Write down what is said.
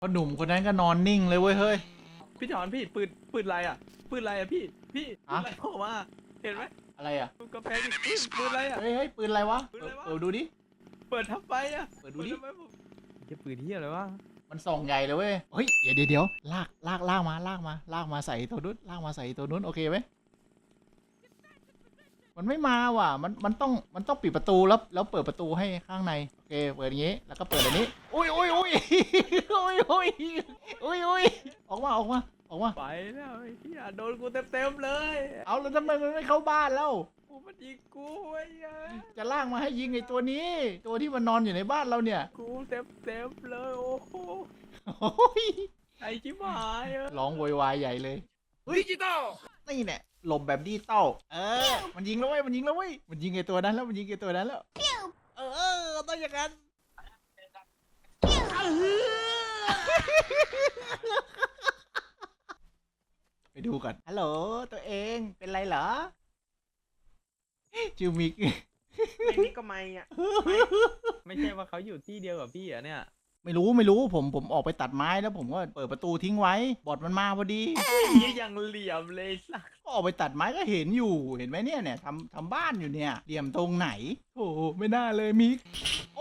พอหนุ่มคนนั้นก็นอนนิ่งเลยเว้ยเฮ้ยพี่ถอนพี่ปืนอะไรอ่ะปืนอะไรอ่ะพี่ปืนอะไรออกมาเห็นไหมอะไรอ่ะดูกระแพงดิปืนอะไรอ่ะเฮ้ยปืนอะไรวะปืนอะไรวะดูดิเปิดทับไปอ่ะเปิดดูดิทำไมผมจะปืนที่อะไรวะมันส่องใหญ่เลยเว้ย เฮ้ย เดี๋ยวลากมาใส่ตัวนู้นลากมาใส่ตัวนู้นโอเคไหมมันไม่มาว่ะ มันต้องปิดประตูแล้วเปิดประตูให้ข้างใน โอเค เปิดอย่างงี้ แล้วก็เปิดอันนี้ อุ้ยออกมาไปแล้วไอ้เหี้ยโดนกูเต็มเลยเอาแล้วทำไมมันไม่เข้าบ้านแล้วกูมันยิงกูไอ้เหี้ยจะลากมาให้ยิงไอ้ตัวนี้ ตัวที่มันนอนอยู่ในบ้านเราเนี่ยกูเต็มเลยโอ้โหโอ้ยไอ้ชิบหายอะร้องโวยวายใหญ่เลยดิจิตอลนี่แหละหลบแบบดิจิตอลมันยิงแล้วเว้ยมันยิงไอ้ตัวนั้นแล้วต้องอย่างนั้นไปดูก่อนฮัลโหลตัวเองเป็นไรเหรอจิวมิกไม่นี่ก็ไม่อ่ะไม่ใช่ว่าเขาอยู่ที่เดียวกับพี่อ่ะเนี่ยไม่รู้ผมออกไปตัดไม้แล้วผมก็เปิดประตูทิ้งไว้บอดมันมาพอดียี่ยังเหลี่ยมเลยสักก็ออกไปตัดไม้ก็เห็นอยู่เห็นไหมเนี่ยทำบ้านอยู่เนี่ยเหลี่ยมตรงไหนโอ้ไม่น่าเลยมิก